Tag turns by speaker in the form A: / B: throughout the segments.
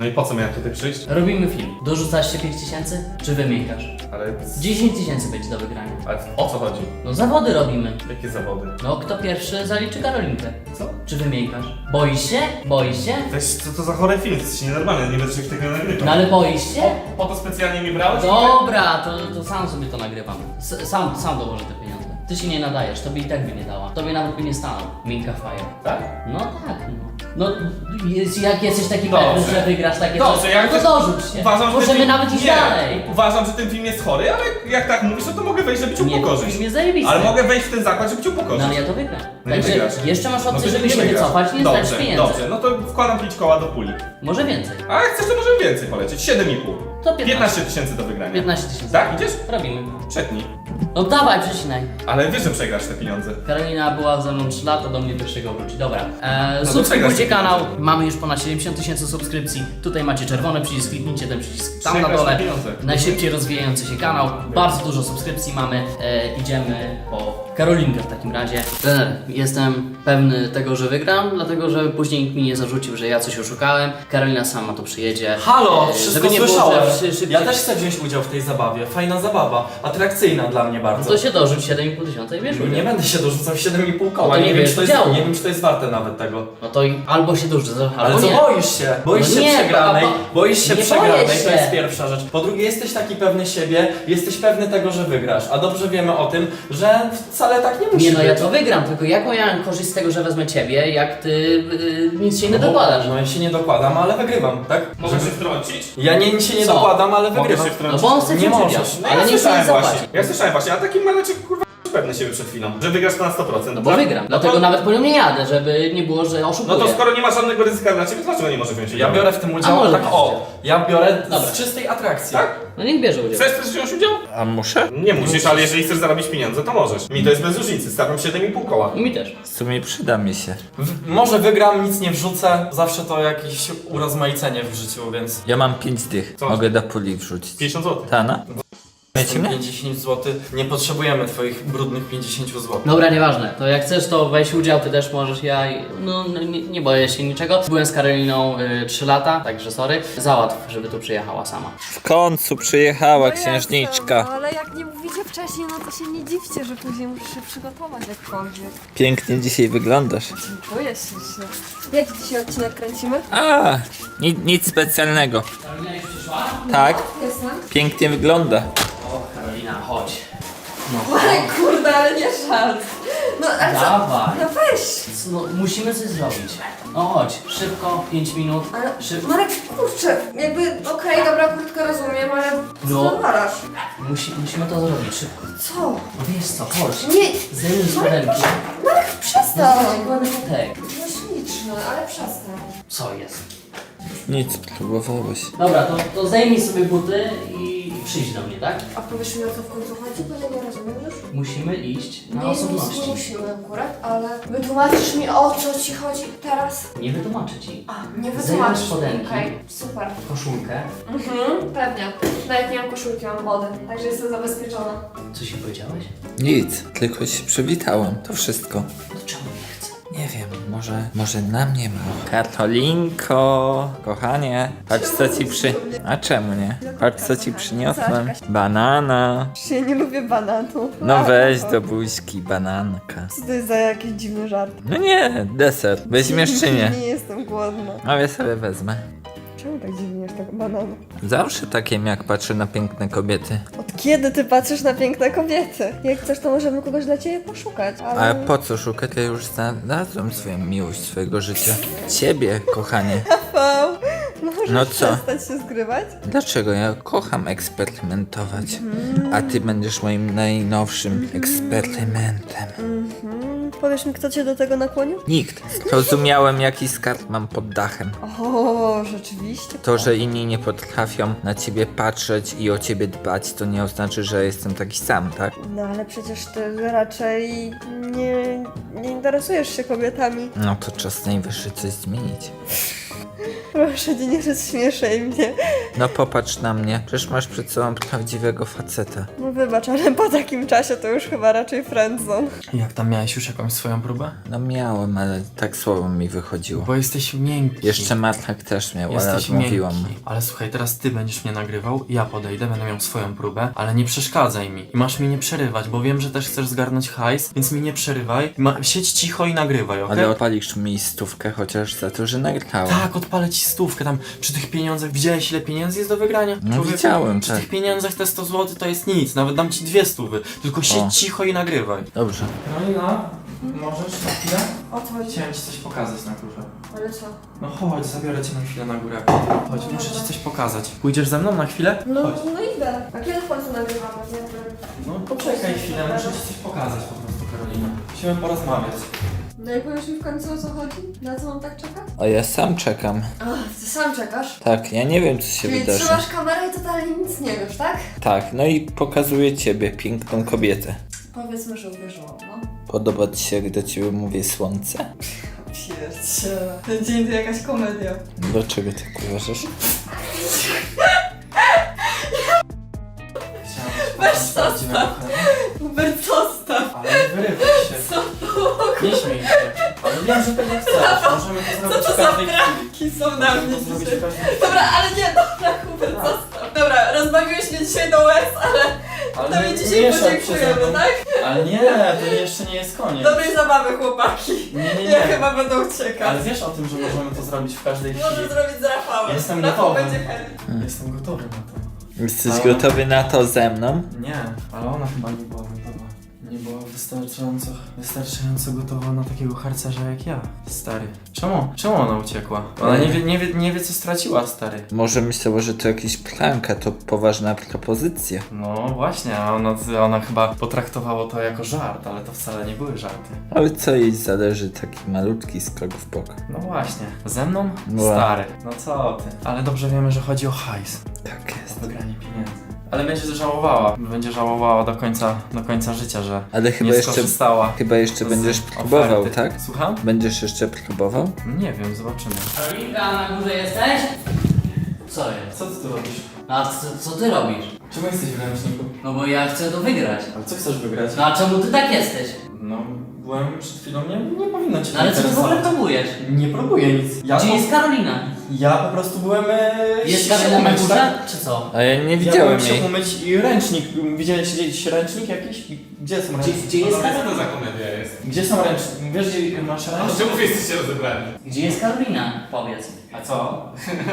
A: No i po co miałem tutaj przyjść?
B: Robimy film. Dorzucasz się 5000? Czy wymiękasz?
A: Ale...
B: 10 000 będzie do wygrania.
A: Ale o co chodzi?
B: No zawody robimy.
A: Jakie zawody?
B: No kto pierwszy zaliczy Karolinkę?
A: Co?
B: Czy wymiękasz? Boisz się? Boisz się?
A: Weź, co to za chory film? To jest nienormalne, nie będę się tego nagrywał.
B: No ale boisz się?
A: Po to specjalnie mi brałeś?
B: Dobra, to sam sobie to nagrywam. Sam dołożę te pieniądze. Ty się nie nadajesz, tobie i tak by nie dała. Tobie nawet by nie stanął. Minka Fire.
A: Tak?
B: No tak, no. No, jak jesteś taki
A: Dobrze.
B: pewny, że wygrasz takie
A: Dobrze,
B: coś,
A: jak
B: no
A: chcesz-
B: to dorzuć się.
A: Uważam, że ten
B: Możemy
A: film...
B: nawet iść
A: nie.
B: dalej.
A: Uważam, że ten film jest chory, ale jak tak mówisz, to mogę wejść, żeby cię
B: Nie,
A: upokorzyć.
B: film jest zajebisty.
A: Ale mogę wejść w ten zakład, żeby cię
B: No
A: upokorzyć.
B: ale ja to wygram.
A: No nie
B: Także
A: wygrasz.
B: jeszcze masz opcję,
A: to
B: żeby
A: nie
B: się
A: wygrasz.
B: wycofać, nie
A: Dobrze,
B: zdać pieniędzy.
A: dobrze, no to wkładam 5 koła do puli.
B: Może więcej.
A: A jak chcesz, to możemy więcej polecieć. 7,5.
B: To 15
A: 000 do wygrania.
B: 15 000.
A: Tak, idziesz?
B: Robimy.
A: Przetnij.
B: No dawaj, przecinaj.
A: Ale wiesz, że przegrasz te pieniądze.
B: Karolina była ze mną 3 lata, do mnie pierwszego wróci. Dobra.
A: to
B: Subskrybujcie
A: przegrasz
B: kanał. Mamy już ponad 70 000 subskrypcji. Tutaj macie czerwony przycisk, kliknijcie ten przycisk tam na
A: Przegrasz
B: dole.
A: te pieniądze.
B: Najszybciej rozwijający się kanał. Bardzo dużo subskrypcji mamy. Idziemy po Karolinkę w takim razie. Trener, jestem pewny tego, że wygram, dlatego że później nikt mi nie zarzucił, że ja coś oszukałem. Karolina sama tu przyjedzie.
C: Halo,
B: Żeby
C: wszystko
B: nie było,
C: słyszałem.
B: że szybciej...
C: Ja też chcę wziąć udział w tej zabawie. Fajna zabawa, atrakcyjna dla mnie
B: No
C: bardzo.
B: to się dorzuć 7,5 tysiąca i wiesz,
C: Nie będę się dorzucał 7,5 koła.
B: No to nie
C: wiem,
B: wiesz
C: czy to jest,
B: udziału.
C: nie wiem, czy to jest warte nawet tego.
B: No to albo się dorzuć, albo
C: Ale co
B: nie.
C: boisz się? Boisz
B: No
C: się
B: nie,
C: przegranej, boisz się
B: nie
C: przegranej,
B: boję
C: to
B: się.
C: jest pierwsza rzecz. Po drugie, jesteś taki pewny siebie, jesteś pewny tego, że wygrasz. A dobrze wiemy o tym, że wcale tak nie musi
B: Nie no, ja
C: być.
B: to wygram, tylko jaką ja mam korzyść z tego, że wezmę ciebie, jak ty nic się nie dokładasz?
C: No ja się nie dokładam, ale wygrywam, tak?
A: Mogę się wtrącić?
C: Ja nic się nie
B: Co?
C: dokładam, ale
A: Mogę
C: wygrywam.
A: się
B: No
A: wtrącić?
B: bo on chce
C: Nie
B: cię
C: możesz.
B: przybiać,
A: No
B: ale
A: ja
B: nie chce
A: słyszałem
B: nic
A: właśnie.
B: zapłacić.
A: Ja słyszałem właśnie, a taki maleczek kurwa pewny siebie przed chwilą, że wygrasz to na 100%.
B: No bo
A: tak?
B: wygram,
A: No
B: dlatego
A: to,
B: nawet po nią nie jadę, żeby nie było, że
A: No
B: oszukuję.
A: to skoro nie ma żadnego ryzyka dla ciebie, to dlaczego nie może wziąć
C: Ja
A: udziału?
C: biorę w tym
B: A
C: udział,
B: może
C: tak
B: byś
C: o,
B: chciał.
C: ja biorę
B: Dobra.
C: z czystej atrakcji.
A: Tak?
B: No niech bierze udział.
A: Chcesz też wziąć udział?
D: A muszę?
A: Nie musisz, ale jeżeli chcesz zarobić pieniądze, to możesz. Mi to jest bez różnicy, stawiam 7,5 koła.
B: Mi też.
D: W sumie przyda mi się.
C: Może wygram, nic nie wrzucę, zawsze to jakieś urozmaicenie w życiu, więc
D: Ja mam 5 dych.
A: Co?
D: Mogę do puli wrzucić.
A: 50 zł.
D: Tana? Wiecie mnie?
C: 50 zł, nie potrzebujemy twoich brudnych 50 zł.
B: Dobra, nieważne. To jak chcesz, to weź udział, ty też możesz, no nie boję się niczego. Byłem z Karoliną 3 lata, także sorry. Załatw, żeby tu przyjechała sama.
D: W końcu przyjechała
E: No
D: księżniczka.
E: jasne, no, ale jak nie mówicie wcześniej, no to się nie dziwcie, że później musisz się przygotować jakkolwiek.
D: Pięknie dzisiaj wyglądasz.
E: Czuję się. Jaki dzisiaj odcinek kręcimy?
D: A, nic specjalnego.
B: Karolina już przyszła?
D: Tak,
E: Jestem.
D: pięknie wygląda.
B: O, Karolina, chodź. No,
E: Ale kurde, ale nie żart. No ale co?
B: dawaj.
E: No weź.
B: No, musimy coś zrobić. No chodź, szybko, 5 minut.
E: Ale
B: Szybko.
E: Marek, kurczę, jakby okej, dobra, krótko rozumiem, ale
B: No.
E: co ty odwalasz?
B: Musimy to zrobić, szybko.
E: Co?
B: No wiesz co, chodź.
E: Nie,
B: Zdejmij z
E: Marek,
B: ręki.
E: Marek,
B: No
E: przestań.
B: ładny kotek.
E: No śliczny, ale przestań.
B: Co jest?
D: Nic, próbowałeś.
B: Dobra, to zdejmij sobie buty i przyjdź do mnie, tak?
E: A powiesz mi, o co w końcu chodzi, bo ja nie rozumiem już.
B: Musimy iść na
E: Nie, nic
B: osobności.
E: nie musimy akurat, ale wytłumaczysz mi, o co ci chodzi teraz?
B: Nie wytłumaczę ci.
E: A, nie
B: Zdejmij
E: wytłumaczysz.
B: spodenki.
E: Okej, super.
B: Koszulkę.
E: Pewnie. Nawet nie mam koszulki, mam wody, także jestem zabezpieczona.
B: Co się powiedziałeś?
D: Nic, tylko się przywitałem. To wszystko.
B: To czemu nie chcę?
D: Nie wiem, może na mnie ma. Katolinko, kochanie, patrz co ci A czemu nie? Patrz co ci przyniosłem. Banana.
E: Ja nie lubię bananów.
D: No weź do buźki bananka.
E: Co to jest za jakiś dziwny żart?
D: No nie, deser. Weźmiesz czy nie?
E: Nie jestem głodna.
D: A ja sobie wezmę.
E: Czemu tak dziwnie jest tego bananu?
D: Zawsze takiem jak patrzę na piękne kobiety.
E: Od kiedy ty patrzysz na piękne kobiety? Jak chcesz, to możemy kogoś dla ciebie poszukać, ale...
D: A po co szukać? Ja już znalazłem swoją miłość swojego życia. Ciebie, kochanie.
E: Rafał, możesz
D: No co?
E: przestać się zgrywać?
D: Dlaczego? Ja kocham eksperymentować. A ty będziesz moim najnowszym eksperymentem.
E: Powiesz mi, kto cię do tego nakłonił?
D: Nikt. Rozumiałem, jaki skarb mam pod dachem.
E: O, rzeczywiście.
D: To, że inni nie potrafią na ciebie patrzeć i o ciebie dbać, to nie oznacza, że jestem taki sam, tak?
E: No ale przecież ty raczej nie interesujesz się kobietami.
D: No to czas najwyższy coś zmienić.
E: Proszę cię, nie rozśmieszaj mnie.
D: No popatrz na mnie, przecież masz przed sobą prawdziwego faceta.
E: No wybacz, ale po takim czasie to już chyba raczej friendzone.
C: Jak tam miałeś już jakąś swoją próbę?
D: No miałem, ale tak słabo mi wychodziło.
C: Bo jesteś miękki.
D: Jeszcze Martak też miał, ale
C: Jesteś
D: odmówiłam mu.
C: miękki. Ale słuchaj, teraz ty będziesz mnie nagrywał, ja podejdę, będę miał swoją próbę, ale nie przeszkadzaj mi. I masz mi nie przerywać, bo wiem, że też chcesz zgarnąć hajs, więc mi nie przerywaj. Siedź cicho i nagrywaj, okej?
D: Ale odpalisz mi stówkę chociaż za to, że nagrałem.
C: Tak, odpalę ci stówkę tam przy tych pieniądzach. Widziałeś, ile pieniędzy jest do wygrania?
D: No
C: Człowieku,
D: widziałem,
C: Przy
D: tak.
C: tych pieniądzach te 100 zł to jest nic, nawet dam ci 2 stówy. Tylko siedź
D: O.
C: cicho i nagrywaj.
D: Dobrze.
C: Karolina, możesz na chwilę?
E: Odchodź.
C: Chciałem ci coś pokazać na górze.
E: Ale co?
C: No chodź, zabiorę cię na chwilę na górę. Chodź, muszę ci coś pokazać. Pójdziesz ze mną na chwilę?
E: No,
C: Chodź.
E: no idę. A kiedy w końcu nagrywamy?
C: No poczekaj chwilę, muszę ci coś pokazać po prostu, Karolina. Musimy porozmawiać.
E: No i powiesz mi w końcu o co chodzi? Na co mam tak czekać?
D: A ja sam czekam.
E: Ach, ty sam czekasz?
D: Tak, ja nie wiem co się
E: Czyli
D: wydarzy.
E: trzymasz kamerę i totalnie nic nie wiesz, tak?
D: Tak, no i pokazuję ciebie, piękną kobietę.
E: Powiedzmy, że uwierzyłam, no.
D: Podoba ci się, jak do ciebie mówię słońce?
E: Pierdziele. Ten dzień to jakaś komedia.
D: Dlaczego tak uważasz?
E: Weź zostaw. Hubert, zostaw.
C: Ale nie wyrywaj się. Nie śmiej się. Ale wiem, że tego chcesz. Możemy to zrobić w każdej chwili.
E: Pranki są na mnie
C: Możemy to zrobić
E: dzisiaj.
C: w każdej chwili.
E: Dobra, ale nie, dobra, Hubert, zostaw. Dobra, rozbawiłeś mnie dzisiaj do łez, ale to mi dzisiaj
C: mieszaj się ze
E: podziękujemy,
C: mną.
E: tak?
C: Ale nie, to jeszcze nie jest koniec.
E: Dobrej zabawy, chłopaki.
C: Nie.
E: Ja chyba będę uciekać.
C: Ale wiesz o tym, że możemy to zrobić w każdej
E: Może
C: chwili.
E: zrobić z Rafałem.
C: Jestem
E: Rafał
C: gotowy.
E: będzie chętny.
C: Jestem gotowy na to.
D: Jesteś
C: Ale-
D: gotowy na to ze mną?
C: Nie, ale ona chyba nie była gotowa. Nie była wystarczająco gotowa na takiego harcerza jak ja, stary. Czemu ona uciekła? Ona nie wie co straciła, stary.
D: Może myślała, że to jakiś prank, a to poważna propozycja.
C: No właśnie, a ona chyba potraktowała to jako żart, ale to wcale nie były żarty.
D: Ale co jej zależy taki malutki skok w bok?
C: No właśnie, ze mną?
D: No.
C: Stary. No co ty? Ale dobrze wiemy, że chodzi o hajs.
D: Tak
C: O
D: jest.
C: wygranie pieniędzy. Ale będzie żałowała do końca życia, że
D: Ale chyba
C: nie
D: jeszcze,
C: skorzystała.
D: chyba jeszcze
C: z
D: będziesz
C: oferty.
D: próbował, tak?
C: Słucham?
D: Będziesz jeszcze próbował?
C: Nie wiem, zobaczymy.
B: Karolinka, na górze jesteś? Co jest?
C: Co ty tu robisz?
B: A co ty robisz?
C: Czemu jesteś w ręczniku?
B: No bo ja chcę to wygrać.
C: Ale co chcesz wygrać?
B: No a czemu ty tak jesteś?
C: No, byłem przed chwilą, nie powinno cię
B: No ale co ty w ogóle próbujesz?
C: Nie próbuję nic.
B: Gdzie jest Karolina?
C: Ja po prostu byłem
B: Jest
C: się
B: Karolina na
C: umyć,
B: górze?
C: tak?
B: Czy co?
D: A ja nie
C: Ja
D: widziałem
C: byłem się
D: jej.
C: umyć i ręcznik. Widziałeś gdzieś ręcznik jakiś? Gdzie są ręczniki?
B: Gdzie jest
A: Co to
B: Karolina?
A: za komedia jest?
C: Gdzie są ręczniki? Wiesz gdzie masz
A: A
C: ręcznik?
A: czemu wy jesteście rozebrani?
B: Gdzie jest Karolina? Powiedz.
C: A co?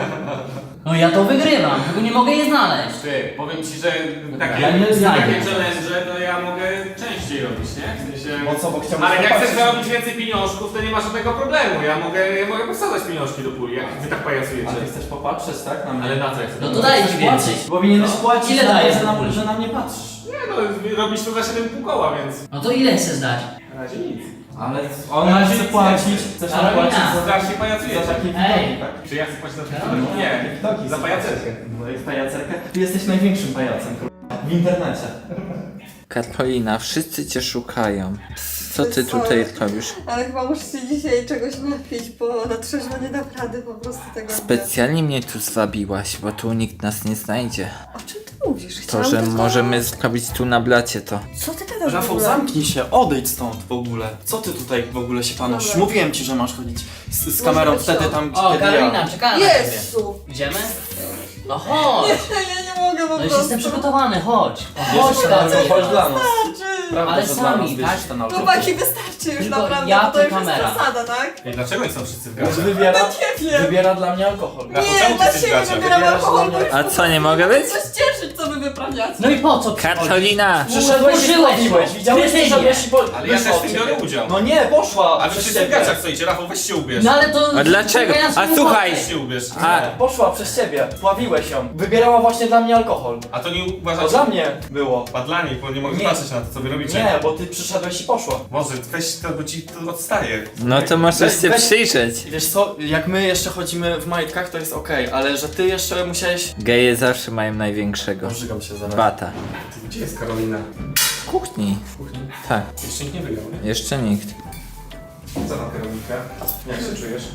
B: No ja to wygrywam, tylko nie mogę jej znaleźć.
A: Ty, powiem ci, że takie,
C: Ja nie znajdę.
A: takie challenge to ja mogę częściej robić, nie? W sensie...
C: Bo co, bo chciałbym
A: Ale jak
C: zobaczyć.
A: chcesz zarobić więcej pieniążków, to nie ma żadnego problemu. Ja mogę posadzać pieniążki do puli, jak wy tak pajacujecie.
C: Ale ty chcesz popatrzeć, tak? Na mnie?
A: Ale na co ja chcę?
B: No to daj ci więcej.
C: Powinieneś płacić
B: Ile
C: za to,
B: dajesz
C: że
B: na
C: na,
B: puli?
C: że na mnie patrzysz.
A: Nie no, robisz to za 7,5 koła, więc...
B: No to ile chcesz dać?
A: Na razie nic.
C: Ale ona chce płacić. Chcesz nam
B: Karolina.
C: płacić za
A: Strasznie pajacujecie.
C: takie
B: Ej.
C: widoki, tak?
A: Czy ja chcę płacić za to?
B: Karolina.
A: Nie,
C: Widoki
A: za
C: są.
A: pajacerkę.
C: No i pajacerkę. Ty jesteś największym pajacem w internecie.
D: Karolina, wszyscy cię szukają. Co ty
E: Sorry.
D: tutaj robisz?
E: Ale chyba muszę się dzisiaj czegoś napić, bo na trzeźwo nie dam rady po prostu tego.
D: Specjalnie mnie tu zwabiłaś, bo tu nikt nas nie znajdzie.
E: O czym ty mówisz?
D: To,
E: Chciałam
D: że
E: tylko-
D: możemy zrobić tu na blacie to.
E: Co ty gadasz w
C: Rafał,
E: ogóle?
C: zamknij się, odejdź stąd w ogóle. Co ty tutaj w ogóle się panoszysz?
E: Dobra.
C: Mówiłem ci, że masz chodzić z
E: Może
C: kamerą
E: być
C: wtedy
E: to.
C: tam,
B: O,
C: kiedy
B: Karolina, czekałem na ciebie.
E: Jezu!
B: Idziemy? No chodź!
E: Ja nie mogę po
B: No już
E: prostu.
B: jestem przygotowany, chodź!
C: ja.
B: Chodź,
C: Wiesz,
B: Karolina.
C: chodź dla nas. Prawda,
B: Ale
C: że
B: sami,
C: dla nas bierzesz
B: tak?
C: ten auto.
E: Chłopaki, wystarczy już
B: Tylko
E: naprawdę,
B: ja,
E: bo to
B: ty,
E: już
B: kamera.
E: jest przesada, tak?
A: Ej, dlaczego oni są wszyscy w
C: Bo
A: gacie?
C: Wybiera,
E: Nie wiem!
C: wybiera dla mnie alkohol.
A: Rafał,
E: Nie,
A: czemu ty
E: dla
A: jesteś w
E: siebie
A: gacie?
E: wybieram
C: Wybierasz
E: alkohol,
C: dla
E: bo
C: mnie-
E: już
D: A co, nie mogę być?
E: coś cieszyć, co wy wyprawiacie.
B: No i po co?
D: Karolina!
C: Przyszedłeś i
B: Wkurzyłeś
C: pobiłeś,
B: ją.
C: widziałeś,
B: Ty
C: że żebyś i po...
A: Ale ja też w tym biorę udział.
C: No nie, poszła
A: A wy
C: przez
A: wszyscy w
C: ciebie.
A: gaciach stoicie, Rafał, weź się ubierz.
B: No ale to...
D: A dlaczego?
B: czekaj na
D: A
B: swój
D: słuchaj!
B: motyw.
A: Weź się ubierz.
D: A,
C: Nie, poszła przez ciebie, pławiłeś ją. Wybierała właśnie dla mnie alkohol.
A: A to nie
C: To
A: uważacie...
C: dla mnie było.
A: A dla nich, bo nie mogę
C: Nie.
A: patrzeć na to, co wy robicie.
C: Nie, bo ty przyszedłeś i poszła.
A: Może, weź to, bo ci to odstaje.
D: no to możesz się
C: Weź-
D: przyjrzeć.
C: Wiesz co, jak my jeszcze chodzimy w majtkach, to jest okej, ale że ty jeszcze musiałeś...
D: Geje zawsze mają największego.
C: Pożygam się zaraz.
D: Bata.
A: Ty, gdzie jest Karolina?
D: W kuchni.
A: W kuchni?
D: Tak,
A: Jeszcze nikt nie wygrał, nie?
D: jeszcze nikt.
A: Co tam, Karolinka? Jak się czujesz?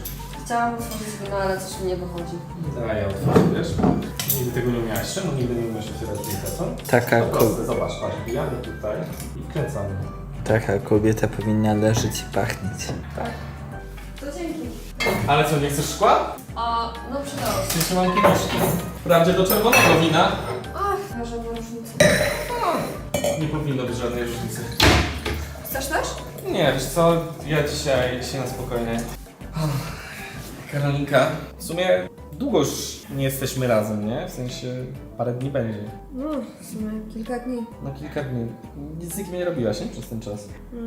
E: Chciałam otworzyć wino, ale coś mi nie wychodzi.
A: Daj, ja otworzę, wiesz? Nigdy tego nie umiałeś. Czemu nigdy nie umiesz otwierać drinka, co?
D: Taka,
A: To proste, zobacz, patrz, wbijamy tutaj i wkręcamy.
D: taka kobieta powinna leżeć i pachnieć.
E: To dzięki.
A: Ale co, nie chcesz szkła?
E: O, no przydało się.
A: Jeszcze mam kieliszki. Wprawdzie do czerwonego wina.
E: Ach, może ma różnicę.
A: Nie powinno być żadnej różnicy.
E: Chcesz też?
A: Nie, wiesz co, ja dzisiaj na spokojnie. Karolinka, w sumie długo już nie jesteśmy razem, nie? W sensie parę dni będzie.
E: No, w sumie kilka dni.
A: No kilka dni. Nic z nikim nie robiłaś, nie? Przez ten czas.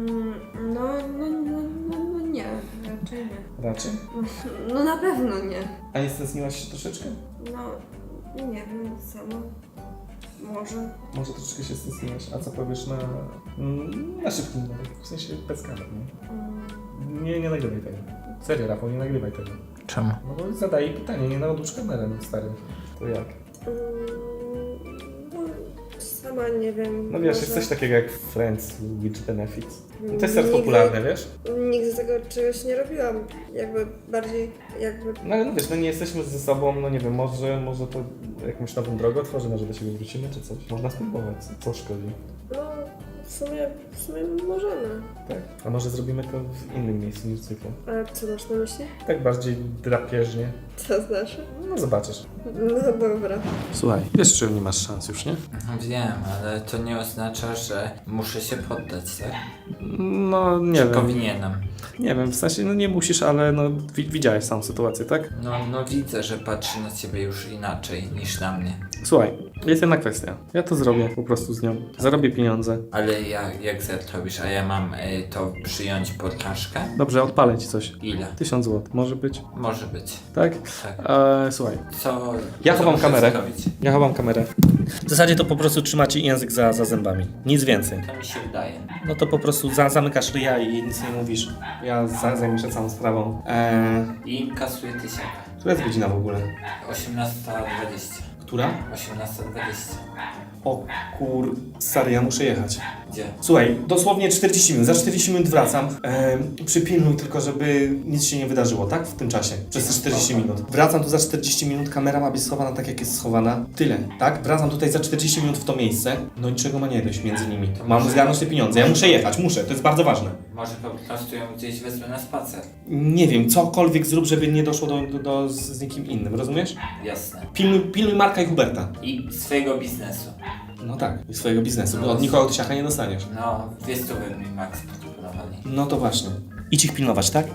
E: No nie, raczej nie.
A: Raczej?
E: No na pewno nie.
A: A nie stęskniłaś się troszeczkę?
E: No, nie wiem, sama. Może.
A: Może troszeczkę się stęskniłaś. A co powiesz na szybkim numerze? W sensie bez kamer, nie? Nie nagrywaj tego. Serio, Rafał, nie nagrywaj tego.
D: Czemu?
A: No bo zadaję pytanie, nie na odłóż kamerę, no stary. To jak?
E: Sama nie wiem.
A: No wiesz, jest coś takiego jak Friends with Benefits. No to jest teraz popularne, wiesz?
E: Nigdy tego czegoś nie robiłam. Jakby bardziej,
A: No ale no wiesz, no nie jesteśmy ze sobą, no nie wiem, może to jakąś nową drogę otworzy, może do siebie wrócimy czy coś. Można spróbować, co szkodzi.
E: No, w sumie możemy.
A: Tak. A może zrobimy to w innym miejscu niż zwykle.
E: A co masz na myśli?
A: Tak bardziej drapieżnie.
E: Co znaczy?
A: No zobaczysz.
E: No dobra.
A: Słuchaj, wiesz, czy nie masz szans już, nie?
D: Wiem, ale to nie oznacza, że muszę się poddać, tak?
A: No nie
D: Czy
A: wiem.
D: powinienem?
A: Nie wiem, w sensie no nie musisz, ale no widziałeś samą sytuację, tak?
D: No widzę, że patrzy na ciebie już inaczej niż na mnie.
A: Słuchaj, jest jedna kwestia. Ja to zrobię po prostu z nią. Zarobię pieniądze.
D: Ale jak zrobisz, a ja mam to przyjąć pod czaszkę?
A: Dobrze, odpalę ci coś.
D: Ile?
A: 1000 zł, może być?
D: Może być.
A: Tak?
D: Tak.
A: Słuchaj,
D: Co?
A: Ja
D: co
A: chowam
D: muszę
A: kamerę.
D: zrobić?
A: ja chowam kamerę. W zasadzie to po prostu trzymacie język za zębami. Nic więcej.
D: To mi się wydaje.
A: No to po prostu zamykasz ryja i nic nie mówisz. Ja zajmę się całą sprawą.
D: I kasuję tysiaka.
A: Która jest godzina w ogóle?
D: 18:20.
A: Która?
D: 18:20.
A: O stary, ja muszę jechać.
D: Gdzie?
A: Słuchaj, dosłownie 40 minut. Za 40 minut wracam. Przypilnuj tylko, żeby nic się nie wydarzyło, tak? W tym czasie. Przez te 40 minut. Wracam tu za 40 minut, kamera ma być schowana tak, jak jest schowana. Tyle, tak? Wracam tutaj za 40 minut w to miejsce. No niczego ma nie dojść między nimi. Mam zgarnąć te pieniądze. Ja muszę jechać, muszę. To jest bardzo ważne.
D: Może po prostu ją gdzieś wezmę na spacer.
A: Nie wiem, cokolwiek zrób, żeby nie doszło z nikim innym, rozumiesz?
D: Jasne.
A: Pilnuj Marka i Huberta.
D: I swojego biznesu.
A: No tak, i swojego biznesu, bo od nikogo tysiaka nie dostaniesz.
D: No, 200 mi max proponowali.
A: No to właśnie. Idź ich pilnować, tak?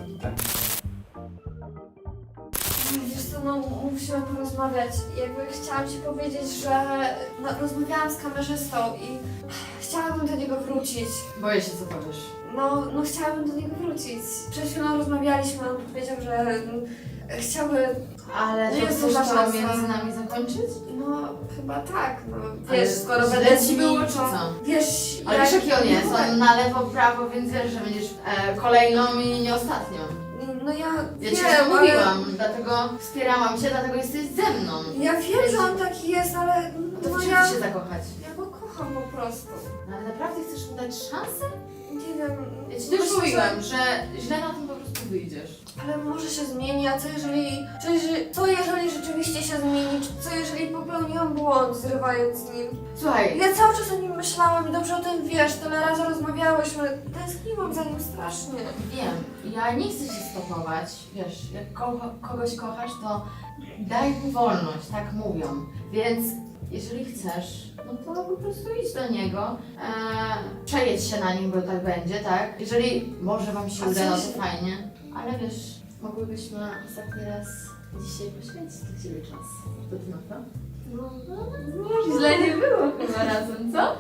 F: Wiesz co, no musimy porozmawiać. Jakby chciałam ci powiedzieć, że no, rozmawiałam z kamerzystą i chciałabym do niego wrócić.
G: Boję się, co powiesz.
F: No chciałabym do niego wrócić. Przed chwilą rozmawialiśmy, on powiedział, że chciałby...
G: Ale
F: No
G: to
F: jest
G: chcesz
F: duża
G: to
F: szansa.
G: między nami zakończyć?
F: No chyba tak, no
G: Ale
F: wiesz, skoro
G: źle
F: będę
G: ci
F: z nim,
G: było, czy
F: to...
G: co?
F: Wiesz,
G: Ale wiesz jaki on jest? On na lewo, prawo, więc wiesz, że będziesz kolejną i nie ostatnią.
F: No ja
G: Ja ci
F: wiem,
G: to
F: ale...
G: mówiłam, dlatego wspierałam cię, dlatego jesteś ze mną.
F: Ja wiem, że on taki jest, ale...
G: No to
F: No
G: w czym
F: ja...
G: ty się zakochać?
F: Ja go kocham po prostu.
G: No, ale naprawdę chcesz mu dać szansę?
F: Nie wiem...
G: Ja ci
F: myślę,
G: też
F: że-
G: mówiłam, że źle na tym po prostu wyjdziesz.
F: Ale może się zmieni, a co jeżeli rzeczywiście się zmieni? Co jeżeli popełniłam błąd, zrywając z nim?
G: Słuchaj,
F: Ja cały czas o nim myślałam i dobrze o tym wiesz, tyle razy rozmawiałyśmy. Tęskniłam za nim strasznie.
G: wiem, ja nie chcę się stopować, wiesz, jak kogoś kochasz, to daj mu wolność, tak mówią, więc jeżeli chcesz, no to po prostu idź do niego, przejedź się na nim, bo tak będzie, tak? Jeżeli może wam się
F: A
G: uda, no
F: coś-
G: to fajnie, ale wiesz, mogłybyśmy ostatni raz dzisiaj poświęcić do ciebie czas. To ty na to? No, źle nie było chyba razem, co?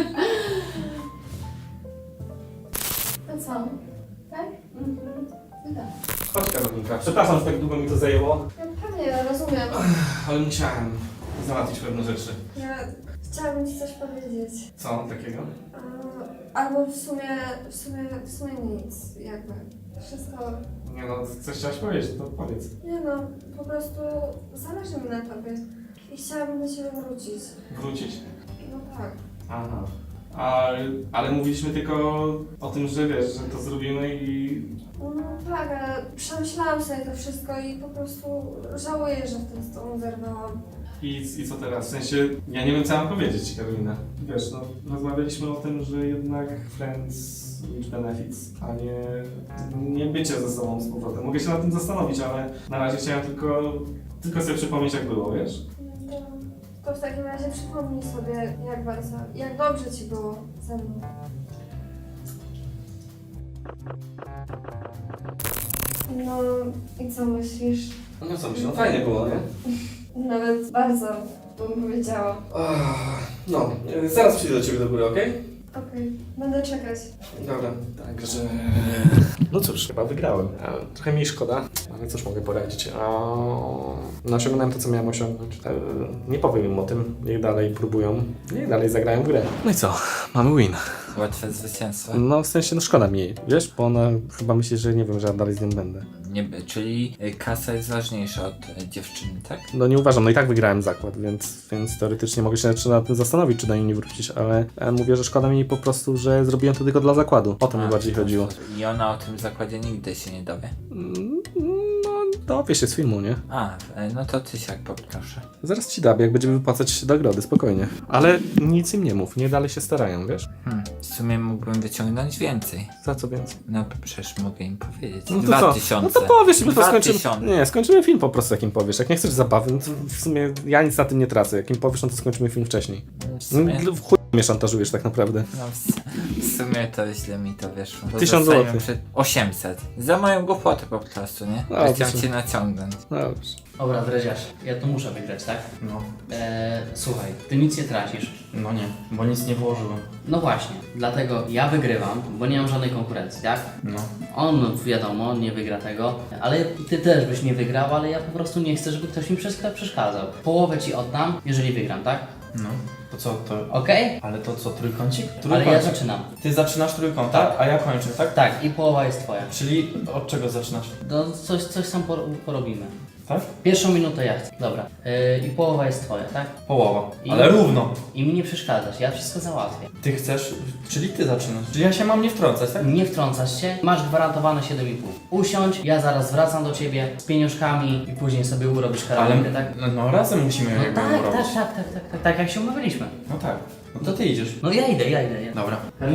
G: To co? Tak? No tak.
A: Chodź Karolinka. Przepraszam, że tak długo mi to zajęło,
F: Pewnie, ja rozumiem.
A: ale musiałem załatwić pewne rzeczy.
F: Ja chciałabym ci coś powiedzieć.
A: Co takiego?
F: Albo w sumie nic, jakby. Wszystko...
A: Nie no, coś chciałaś powiedzieć, to powiedz.
F: Nie no, po prostu zależy mi na tobie. I chciałabym do ciebie wrócić.
A: Wrócić?
F: No tak.
A: Aha. ale mówiliśmy tylko o tym, że wiesz, że to zrobimy i...
F: No tak, ale przemyślałam sobie to wszystko i po prostu żałuję, że wtedy z tobą zerwałam.
A: I co teraz? W sensie, ja nie wiem co mam powiedzieć, Karolina. Wiesz, no, rozmawialiśmy o tym, że jednak friends with benefits, a nie bycie ze sobą z powrotem. Mogę się nad tym zastanowić, ale na razie chciałem tylko sobie przypomnieć jak było, wiesz?
F: To w takim razie przypomnij sobie, jak dobrze ci było ze mną. No i co myślisz?
A: No co myślę, no fajnie było, nie?
F: Nawet bardzo, bym powiedziała.
A: No, zaraz przyjdę do ciebie do góry, okej?
F: Okej, będę czekać.
A: Dobra, także... No cóż, chyba wygrałem. Trochę mi szkoda, ale cóż mogę poradzić. No, osiągnąłem to, co miałem osiągnąć. Nie powiem im o tym, niech dalej próbują, niech dalej zagrają w grę. No i co? Mamy win.
D: Łatwe zwycięstwo.
A: No w sensie, no szkoda mi jej, wiesz? Bo ona chyba myśli, że nie wiem, że ja dalej z nią będę.
D: Nie, czyli kasa jest ważniejsza od dziewczyny, tak?
A: No nie uważam, no i tak wygrałem zakład, więc teoretycznie mogę się nad tym zastanowić, czy do niej nie wrócić, ale mówię, że szkoda mi po prostu, że zrobiłem to tylko dla zakładu. O to mi bardziej chodziło.
D: I ona o tym zakładzie nigdy się nie dowie.
A: No, dowie się z filmu, nie?
D: No to ty siak poproszę.
A: Zaraz ci dam, jak będziemy wypłacać nagrody, spokojnie. Ale nic im nie mów, nie dalej się starają, wiesz?
D: W sumie mógłbym wyciągnąć więcej.
A: Za co więcej?
D: No przecież mogę im powiedzieć.
A: No to
D: 2000.
A: No to powiesz, my to skończymy.
D: 2000.
A: Nie, skończymy film po prostu, jak im powiesz. Jak nie chcesz zabawy, no to w sumie ja nic na tym nie tracę. Jak im powiesz, no to skończymy film wcześniej.
D: W sumie,
A: W chuj mnie szantażujesz tak naprawdę.
D: no, w sumie to źle mi to wyszło. Bo
A: 1000
D: zostałem
A: złotych.
D: przed 800. Za moją głupotę po prostu, nie?
A: No,
D: Chciałem
A: to
D: cię naciągnąć.
A: Dobrze.
B: Dobra, Dreziarz, ja tu muszę wygrać, tak?
C: No,
B: Słuchaj, ty nic nie tracisz.
C: no nie, bo nic nie włożyłem.
B: No właśnie, dlatego ja wygrywam, bo nie mam żadnej konkurencji, tak?
C: No.
B: On, wiadomo, nie wygra tego, ale ty też byś nie wygrał, ale ja po prostu nie chcę, żeby ktoś mi przeszkadzał. Połowę ci oddam, jeżeli wygram, tak?
C: No. To co, to...
B: Okej?
C: Ale to co, trójkącik?
B: Ale ja zaczynam.
C: Ty zaczynasz trójkąt, tak? A ja kończę, tak?
B: Tak, i połowa jest twoja.
C: Czyli od czego zaczynasz?
B: No, coś tam porobimy.
C: Tak?
B: Pierwszą minutę ja chcę. Dobra. I połowa jest twoja, tak?
C: Połowa.
B: I-
C: Ale równo.
B: I mi nie przeszkadzasz, ja wszystko załatwię.
C: Ty chcesz, czyli ty zaczynasz. Czyli ja się mam nie wtrącać, tak?
B: Nie wtrącasz się, masz gwarantowane 7,5. Usiądź, ja zaraz wracam do ciebie z pieniążkami i później sobie urobisz karaoke, tak?
C: No razem musimy
B: No
C: jakby
B: tak,
C: robić.
B: tak jak się umawialiśmy.
C: No tak. No to ty idziesz.
B: No ja idę.
C: Dobra.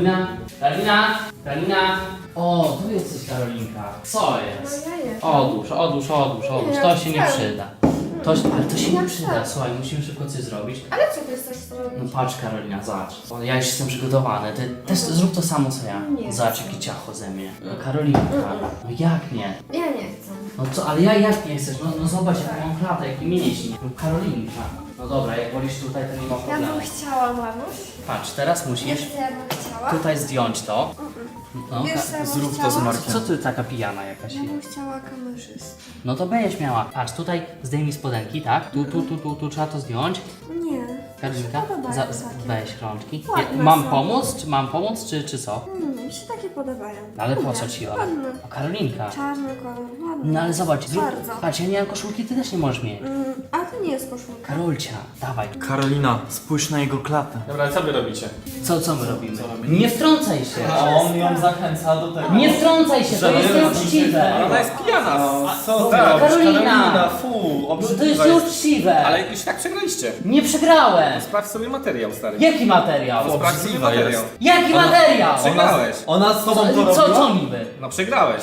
B: Karolina! O, tu jesteś Karolinka. Co jest?
F: No ja jestem.
B: Odłóż,
F: Nie,
B: to się nie
F: wcale.
B: przyda. Ale to się nie przyda, słuchaj, musimy szybko coś zrobić.
F: Ale co ty chcesz zrobić?
B: No patrz Karolina, zobacz. O, ja już jestem przygotowany, ty też zrób to samo co ja.
F: Nie.
B: Zobacz jakie ciacho ze mnie. No Karolinka, no jak nie?
F: Ja nie chcę.
B: No co, ale jak nie chcesz? No zobacz jaką mam klatę, jaki mięśnie. No Karolinka. No dobra, jak wolisz tutaj, to nie ma
F: Ja
B: problemu.
F: bym chciała, mamuś.
B: Patrz, teraz musisz
F: Jeszcze ja bym chciała.
B: tutaj zdjąć to. No,
F: Wiesz, co ja bym
C: zrób to
F: chciała?
C: z Markiem.
B: co ty taka pijana jakaś
F: Ja
B: jest?
F: bym chciała kamerzystę.
B: No to będziesz miała. Patrz, tutaj zdejmij spodenki, tak? Tu trzeba to zdjąć.
F: Nie.
B: Karolinka,
F: Podobają takie.
B: weź rączki.
F: Ładne
B: Mam
F: są.
B: pomóc? Mam pomóc, czy co?
F: Mi się takie podobają.
B: No ale po
F: Ładne,
B: co ci one?
F: Ładne.
B: O, Karolinka.
F: Czarny kolor, ładny.
B: No ale zobacz,
F: Bardzo.
B: patrz, ja nie mam koszulki, ty też nie możesz mieć.
F: A to nie jest koszulka.
B: Karolcia, dawaj.
C: Karolina, spójrz na jego klatę.
A: Dobra, co wy robicie?
B: Co my robimy? Nie wtrącaj się!
C: A on ją zachęca do tego.
B: Nie wtrącaj się, to jest nieuczciwe!
A: Ona jest pijana!
C: Co ty
A: tak,
C: robisz?
B: Karolina!
C: Fu,
B: To jest nieuczciwe!
A: Ale już tak przegraliście.
B: Nie przegrałem!
A: Sprawdź sobie materiał, stary.
B: Jaki materiał?
A: Sprawdź sobie materiał.
B: Jaki materiał?
A: Przegrałeś.
C: Ona z tobą to robiła?
B: Co niby?
A: No przegrałeś.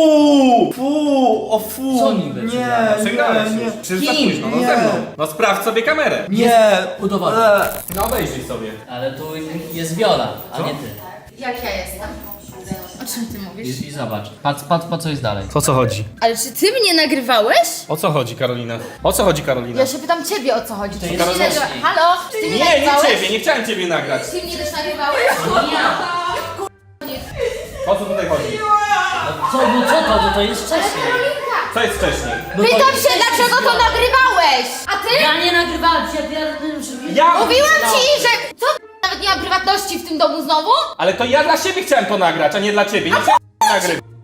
C: O fu!
B: Co niby
C: Nie,
B: przegrałeś?
A: Przegrałeś
C: nie,
A: już.
C: nie.
A: Przecież za
B: Kim?
A: późno, no
C: Nie.
A: ze mną. No sprawdź sobie kamerę.
C: Nie!
B: Udowodnij.
A: No obejrzyj sobie.
B: Ale tu jest Viola, a nie ty.
E: Jak ja jestem? O czym ty mówisz?
B: I zobacz, patrz po co jest dalej.
A: O co chodzi?
E: Ale czy ty mnie nagrywałeś?
A: O co chodzi, Karolina? O co chodzi, Karolina?
E: Ja się pytam ciebie o co chodzi. Czy ty mnie
B: jest
E: nagrywa...
B: wcześniej.
E: Halo? Czy ty mnie
A: Nie, nie
E: nagrywałeś?
A: ciebie, nie chciałem ciebie nagrać.
E: Ty mnie też nagrywałeś?
B: Ja!
A: O co tutaj chodzi?
B: To jest wcześniej.
A: Co jest wcześniej?
E: Pytam się, dlaczego to nagrywałeś? A ty?
B: Ja nie nagrywałem cię,
A: Ja!
E: Mówiłam ci, że... Co? Nawet nie mam prywatności w tym domu znowu?
A: Ale to ja dla siebie chciałem to nagrać, a nie dla ciebie. Nie chciałem nagrywać.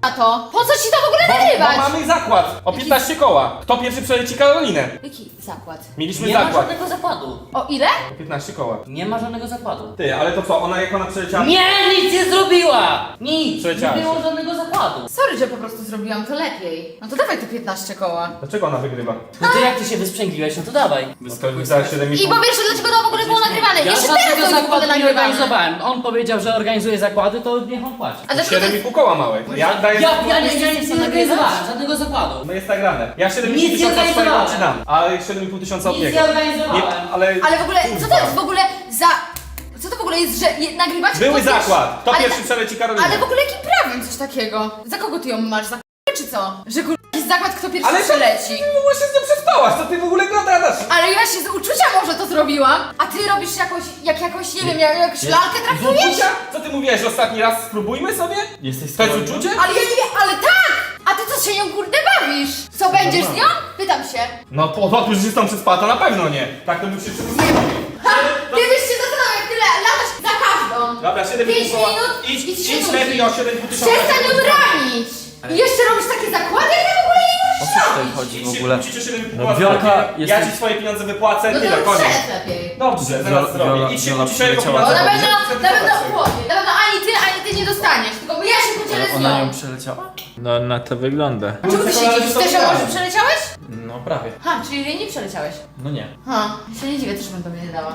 G: na to? Po co ci to w ogóle
A: Bo
G: nagrywać?
A: mamy zakład o 15 koła. Kto pierwszy przeleci Karolinę?
G: Jaki zakład?
A: Mieliśmy
B: Nie ma
A: zakład
B: żadnego zakładu.
G: O ile?
A: o 15 koła.
B: Nie ma żadnego zakładu.
A: Ty, ale to co, jak ona przeleciała?
B: Nie, nic nie zrobiła! Nic!
A: Przeleciała
B: Nie było
A: się.
B: żadnego zakładu.
G: Sorry, że po prostu zrobiłam to lepiej. No to dawaj te 15 koła.
A: Dlaczego ona wygrywa?
B: No to jak ty się wysprzęgliłeś, no to dawaj.
A: Wyskakuj za 7,5.
G: I po pierwsze, dlaczego to w ogóle było nagrywane?
B: Ja
G: Jeszcze
B: żadnego
G: teraz to jest w ogóle
B: zakładu nie
G: nagrywane.
B: organizowałem. On powiedział, że organizuje zakłady, to niech on płaci.
G: A dlaczego to...
A: 7,5 koła małe. Ja daję...
B: Ja nic nie organizowałem, żadnego zakładu.
A: No jest nagrane. Ja 7,5
B: Nic nie
A: tysiąca swojego
B: organizowałem.
A: ci dam, a 7,5 tysiąca od
B: Nic
A: niego.
B: nie organizowałem.
A: ale...
G: Ale w ogóle, co to jest w ogóle za... Co to w ogóle jest, że nagrywacie...
A: Były
G: kto pierwszy-
A: zakład. Kto
G: Ale-
A: pierwszy przeleci Karolinę?
G: Ale w ogóle jakim prawem coś takiego? Za kogo ty ją masz? Za czy co? Że jakiś zakład, kto pierwszy
A: Ale to-
G: przeleci?
A: Ty w ogóle się z nią przespałaś, co ty w ogóle gadasz?
G: Ale ja się z uczucia może to zrobiłam, a ty robisz jakąś, nie wiem, jakąś lalkę traktujesz?
A: Uczucia? Co ty mówiłeś ostatni raz? Spróbujmy sobie?
C: Jesteś
A: To jest
C: Karoliną?
A: uczucie?
G: Ale ja nie wiem, ale tak! A ty co się nią kurde bawisz? Co, będziesz z nią? Pytam się.
A: No po że się z tą przespała, to na pewno nie. Tak to bym się przygotował.
G: Ha! Ty byś się zastanawiał, jak tyle latasz za każdą.
A: Dobra, 7,5
G: 5
A: koła.
G: minut
A: Idź,
G: i ci się
A: idź
G: nudzi.
A: lepiej o 7,5 tysiąca.
G: Przestań ją ranić! I jeszcze robisz takie zakłady, jak ty w ogóle nie
C: O
G: możesz
C: co tutaj
G: robić?
C: chodzi
A: Idź
C: w
A: się
C: ogóle?
A: kłócić o 7,5
C: No,
A: koła.
C: Wiolka,
A: Ja
C: jesteś-
A: ci swoje pieniądze wypłacę,
G: No
A: tyle,
G: to
A: koniec.
G: przed lepiej.
A: Dobrze, zaraz zrobię.
C: Viola-
A: Idź się
C: Viola
A: kłócić o jego
C: przyleciała
A: pieniądze.
G: Ona
C: za
G: będzie na pewno chłopie, na pewno ani ty nie dostaniesz, tylko ja się podzielę z
C: Ona ją
G: nią.
C: przeleciała?
D: No na to wygląda.
G: A czemu ty się dziwisz? Też ją może przeleciałeś?
C: No prawie.
G: Ha, czyli jej nie przeleciałeś.
C: No nie.
G: Ha, się nie dziwię, też bym tobie nie dała.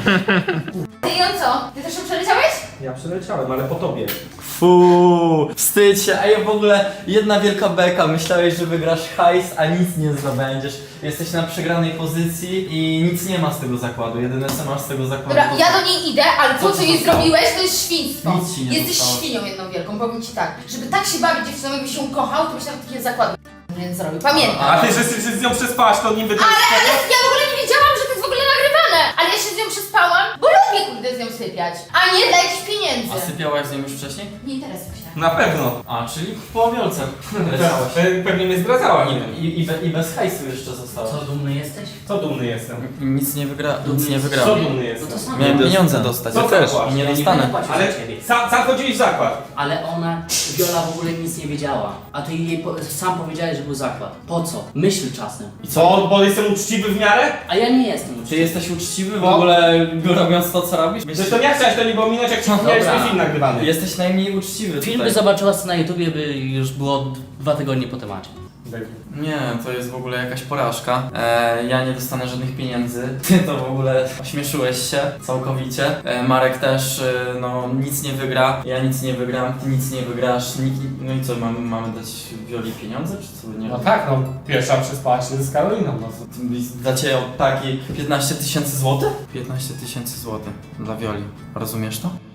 G: Ty ją co? Ty też ją przeleciałeś?
A: Ja przeleciałem, ale po tobie.
C: Fuu, wstydź się, ej w ogóle jedna wielka beka, myślałeś, że wygrasz hajs, a nic nie zdobędziesz. Jesteś na przegranej pozycji i nic nie ma z tego zakładu, jedyne co masz z tego zakładu.
G: Dobra, ja do niej idę, ale
C: Co
G: to co
C: ci
G: jej
C: zostało?
G: zrobiłeś, to jest świństwo.
C: Nic ci nie
G: Jesteś
C: zostało.
G: świnią jedną wielką, powiem ci tak. Żeby tak się bawić dziewczyną, jakbyś ją kochał, to byś nawet takiego zakładu nie zrobił. Pamiętaj.
A: A ty, że się z nią przespałaś, to niby...
G: Ale ja w ogóle nie wiedziałam, że to jest w ogóle nagrywane. Ale ja się z nią przespałam, bo lubię kurde z nią sypiać. A nie dla jakichś pieniędzy.
C: A sypiałaś z nią już wcześniej?
G: Nie interesuj się.
A: Na pewno.
C: A, czyli po wiolce leciałaś.
A: Pewnie mnie zdradzała.
C: I bez hajsu jeszcze została.
B: Co, dumny jesteś?
A: Co dumny jestem?
C: Nic nie wygra, nic nie
A: Co
C: wygrałem.
A: dumny
B: No
A: jestem?
B: to sam.
C: Miałem
D: Nie
C: pieniądze
D: dostanę.
C: dostać.
A: Co
C: Ja też.
A: płasz?
C: I nie
B: Ja nie
C: dostanę.
B: będę płacił
A: Ale
B: za ciebie.
A: sam chodziłeś w zakład.
B: Ale ona, Viola w ogóle nic nie wiedziała. A ty jej sam powiedziałeś, że był zakład. Po co? Myśl czasem.
A: I co, bo jestem uczciwy w miarę?
B: A ja nie jestem
C: Ty
B: uczciwy.
C: jesteś uczciwy w
A: Bo-
C: ogóle robiąc to co robisz?
A: Zresztą ja chciałeś to nie było minąć, jak ci
C: Dobra.
A: miałeś ten film nagrywany.
C: Jesteś najmniej uczciwy
B: Film by
C: tutaj.
B: zobaczyła na YouTubie, by już było 2 tygodnie po temacie.
C: Nie, to jest w ogóle jakaś porażka. Ja nie dostanę żadnych pieniędzy. Ty to w ogóle ośmieszyłeś się całkowicie. Marek też no nic nie wygra. Ja nic nie wygram, ty nic nie wygrasz. No i co, mamy dać Wioli pieniądze, czy co? Nie
A: No
C: wiem.
A: tak, no pierwsza przespała się z Karoliną. No.
C: Dacie od takiej 15 000 złotych? 15 000 złotych dla Wioli. Rozumiesz to?